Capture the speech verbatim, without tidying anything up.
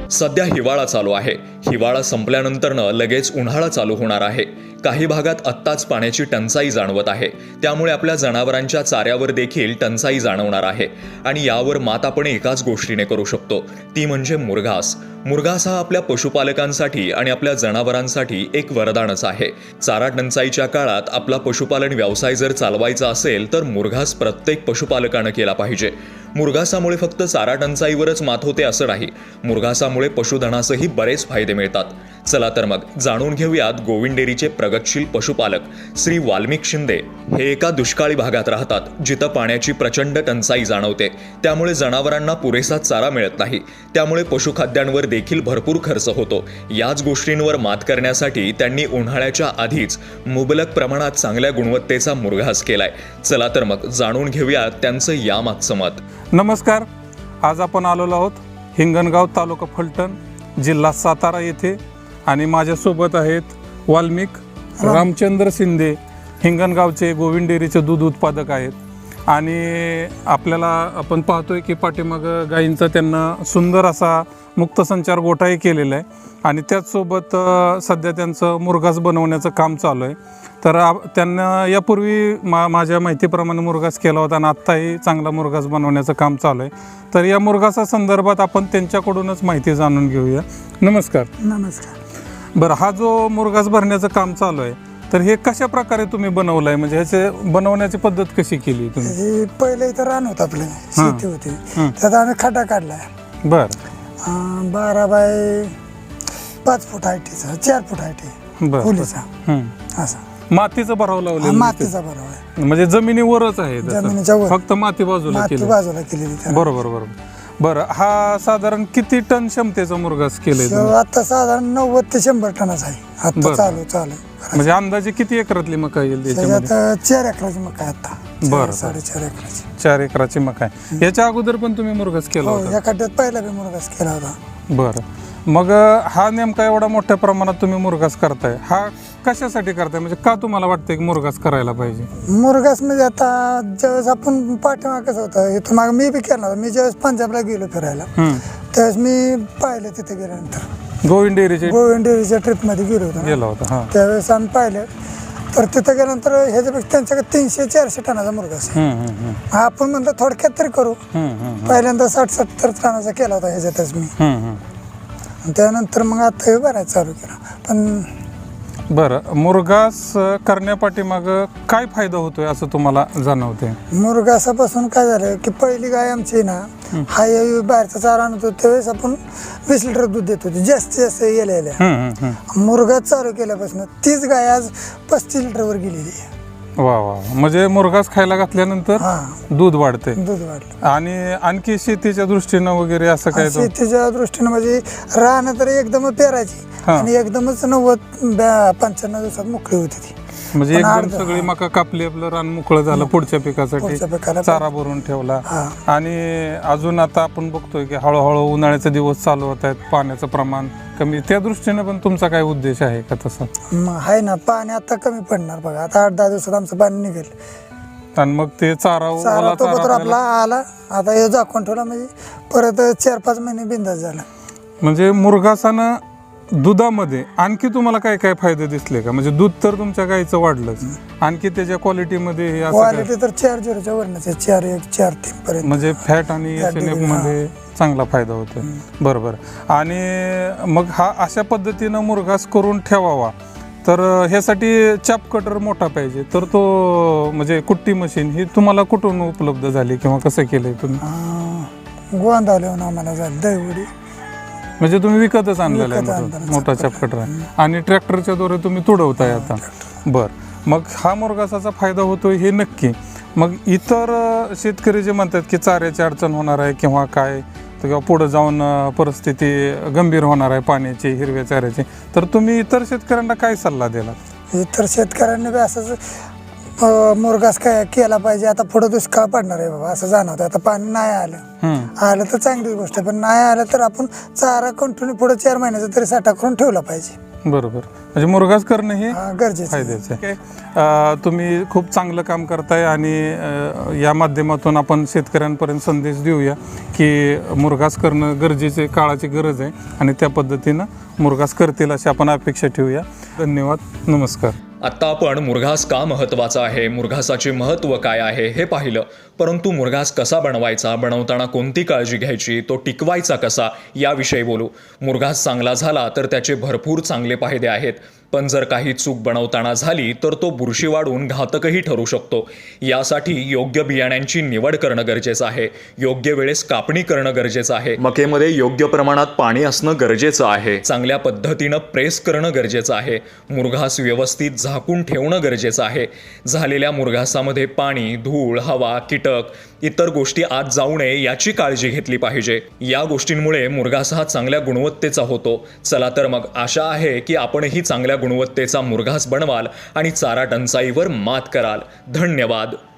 सध्या हिवाळा चालू आहे. हिवाळा संपल्यानंतरनं लगेच उन्हाळा चालू होणार आहे. काही भागात आत्ताच पाण्याची टंचाई जाणवत आहे. त्यामुळे आपल्या जनावरांच्या चाऱ्यावर देखील टंचाई जाणवणार आहे. आणि यावर मात आपण एकाच गोष्टीने करू शकतो, ती म्हणजे मुरघास. मुरघास हा आपल्या पशुपालकांसाठी आणि आपल्या जनावरांसाठी एक वरदानच आहे. चारा टंचाईच्या काळात आपला पशुपालन व्यवसाय जर चालवायचा असेल तर मुरघास प्रत्येक पशुपालकानं केला पाहिजे. मुरघासामुळे फक्त चारा टंचाईवरच मात होते असं नाही, मुरघासामुळे पशुधनासही बरेच फायदे मिळतात. चला तर मग जाणून घेऊयात गोविंद डेअरीचे प्रगतशील पशुपालक श्री वाल्मिक शिंदे हे एका दुष्काळी भागात राहतात, जिथं पाण्याची प्रचंड टंचाई जाणवते. त्यामुळे जनावरांना पुरेसा चारा मिळत नाही. त्यामुळे पशुखाद्यांवर देखील भरपूर खर्च होतो. याच गोष्टींवर मात करण्यासाठी त्यांनी उन्हाळ्याच्या आधीच मुबलक प्रमाणात चांगल्या गुणवत्तेचा मुरघास केलाय. चला तर मग जाणून घेऊयात त्यांचं यामागचं मत. नमस्कार. आज आपण आलेलो आहोत हिंगणगाव, तालुका फलटण, जिल्हा सातारा येथे आणि माझ्यासोबत आहेत वाल्मिक रामचंद्र शिंदे, हिंगणगावचे गोविंद डेअरीचे दूध उत्पादक आहेत. आणि आपल्याला आपण पाहतोय की पाठीमागं गायींचा त्यांना सुंदर असा मुक्तसंचार गोठाही केलेला आहे आणि त्याचसोबत सध्या त्यांचं मुरघास बनवण्याचं काम चालू आहे. तर त्यांना यापूर्वी मा माझ्या माहितीप्रमाणे मुरघास केला होता आणि आत्ताही चांगला मुरघास बनवण्याचं काम चालू आहे. तर या मुरघासा संदर्भात आपण त्यांच्याकडूनच माहिती जाणून घेऊया. नमस्कार. नमस्कार. बरं, हा जो मुरघास भरण्याचं काम चालू आहे तर हे कशा प्रकारे तुम्ही बनवलं आहे, म्हणजे ह्याचे बनवण्याची पद्धत कशी केली तुम्ही? पहिले इथं रान होतं, आपलं शेती होती, त्यात आम्ही खड्डा काढलाय. बरं. बारा बाय पाच फूट हाईटीचा, चार फूट हाईटी खोलीचा, असा मातीचा भराव लावलेला. मातीचा भराव आहे, म्हणजे जमिनीवरच आहे, जमिनीच्या वर फक्त माती बाजूला माती बाजूला केलेली. बरोबर बरोबर. बरं, हा साधारण किती टन क्षमतेचा मुरघास केलाय? आता साधारण नव्वद ते शंभर टनच आहे आता चालू चालू. म्हणजे अंदाजे किती एकरातली मका येईल त्याच्यात? चार एकराची मका आहे आता. बरं, साडेचार एकराची चार एकराची मका आहे. याच्या अगोदर पण तुम्ही मुरघास केला होता? या खड्ड्यात पहिला बी मुरघास केला होता. बरं. मग हा नेमका एवढा मोठ्या प्रमाणात तुम्ही मुरघास करताय, हा कशासाठी करताय? म्हणजे का तुम्हाला वाटतंय की मुरघास करायला पाहिजे? मुरघास म्हणजे आता ज्यावेळेस आपण पाठीमाग कसं होतं, इथून माग मी बी केला होता. मी ज्यावेळेस पंजाबला गेलो फिरायला त्यावेळेस मी पाहिलं, तिथे गेल्यानंतर गोविंद डेअरीचे गोविंद डेअरीच्या ट्रिपमध्ये गेलो होतो गेला होता. त्यावेळेस आम्ही पाहिलं. तर तिथं गेल्यानंतर ह्याच्यापेक्षा त्यांच्याकडे तीनशे चारशे टनाचा मुरघास आहे. आपण म्हणतो थोडक्यात तरी करू. पहिल्यांदा साठ सत्तर टनाचा केला होता ह्याच्यातच मी. त्यानंतर मग आता हे बराच चालू केला. पण बरं, मुरघास करण्यापाठीमाग काय फायदा होतोय असं तुम्हाला जाणवते? मुरघासापासून काय झालं की पहिली गाय आमची ना, हा बाहेरचा चारा आणत होतो त्यावेळेस आपण वीस लिटर दूध देत होतो, जास्तीत जास्त गेल्या गेल्या. मुरघास चालू केल्यापासून तीच गाय आज पस्तीस लिटरवर गेलेली आहे. वा वा. म्हणजे मुरघास खायला घातल्यानंतर दूध वाढते. दूध वाढलं. आणि आणखी शेतीच्या दृष्टीनं वगैरे असं काय? शेतीच्या दृष्टीनं म्हणजे राहणं तर एकदम पेरायची आणि एकदमच नव्वद पंच्याण्णव दिवसात मोकळी होती ती. म्हणजे एकदम सगळी मका कापली, आपलं रान मोकळं झालं पुढच्या पिकासाठी, चारा भरून ठेवला. आणि अजून आता आपण बघतोय की हळूहळू उन्हाळ्याचे दिवस चालू होत आहेत, पाण्याचं प्रमाण कमी, त्या दृष्टीने पण तुमचा काय उद्देश आहे का तसा? आहे ना, पाणी आता कमी पडणार बघा. आता आठ दहा दिवसात आमचं पाणी निघेल आणि मग ते चारा चारा आपला आला. आता हे झाकून ठेवला म्हणजे परत चार पाच महिने बिंदास झाला. म्हणजे मुरघासानं दुधामध्ये आणखी तुम्हाला काय काय फायदे दिसले का? म्हणजे दूध तर तुमच्या गाईचं वाढलंच, आणखी त्याच्या क्वालिटीमध्ये? क्वालिटी तर चार झिरोच्या वरनच आहे, चार एक चार तीन पर्यंत. म्हणजे फॅट आणि एस एन एफ मध्ये चांगला फायदा होतो. बरोबर. आणि मग हा अशा पद्धतीनं मुरघास करून ठेवावा तर ह्यासाठी चाप कटर मोठा पाहिजे. तर तो म्हणजे कुट्टी मशीन ही तुम्हाला कुठून उपलब्ध झाली किंवा कसं केलंय तुम्ही? गोंदावल्याहून आम्हाला झाली दहीवडी. म्हणजे तुम्ही विकतच आणलेला आहे मोठा चाप कटर आहे आणि ट्रॅक्टरच्या द्वारे तुम्ही तुडवताय आता? बर. मग हा मुरघासाचा फायदा होतोय हे नक्की. मग इतर शेतकरी जे म्हणतात की चाऱ्याची अडचण होणार आहे किंवा काय, किंवा पुढे जाऊन परिस्थिती गंभीर होणार आहे पाण्याची, हिरव्या चाऱ्याची, तर तुम्ही इतर शेतकऱ्यांना काय सल्ला दिला? इतर शेतकऱ्यांनी बी असंच मुरघास काय केला पाहिजे. आता पुढे दुष्काळ पडणार आहे बाबा असं जाणवतं. आता पाणी नाही आलं आलं तर चांगली गोष्ट आहे, पण नाही आलं तर आपण चारा कंटिन्यू पुढे चार महिन्याचा तरी साठा करून ठेवला पाहिजे. बरोबर. म्हणजे मुरघास करणं हे हा, गरजेचं आहे. फायद्याचं आहे. अ, तुम्ही खूप चांगलं काम करताय आणि अ, या माध्यमातून आपण शेतकऱ्यांपर्यंत संदेश देऊया की मुरघास करणं गरजेचे, काळाची गरज आहे आणि त्या पद्धतीनं मुरघास करतील अशी आपण अपेक्षा ठेवूया. धन्यवाद. नमस्कार. आत्ता आपण मुरघास का महत्त्वाचा आहे, मुरघासाचे महत्त्व काय आहे हे पाहिलं. परंतु मुरघास कसा बनवायचा, बनवताना कोणती काळजी घ्यायची, तो टिकवायचा कसा याविषयी बोलू. मुरघास चांगला झाला तर त्याचे भरपूर चांगले फायदे आहेत, पण जर काही चूक बनवताना झाली तर तो बुरशी वाढून घातकही ठरू शकतो. यासाठी योग्य बियाण्यांची निवड करणं गरजेचं आहे, योग्य वेळेस कापणी करणं गरजेचं आहे, मकेमध्ये योग्य प्रमाणात पाणी असणं गरजेचं आहे, चांगल्या पद्धतीनं प्रेस करणं गरजेचं आहे, मुरघास व्यवस्थित झाकून ठेवणं गरजेचं आहे. झालेल्या मुरघासामध्ये पाणी, धूळ, हवा, कीटक, इतर गोष्टी आत जाऊ नये याची काळजी घेतली पाहिजे. या गोष्टींमुळे मुरघास हा चांगल्या गुणवत्तेचा होतो. चला तर मग आशा आहे की आपणही चांगल्या गुणवत्तेचा मुरघास बनवाल आणि चारा टंचाईवर मात कराल. धन्यवाद.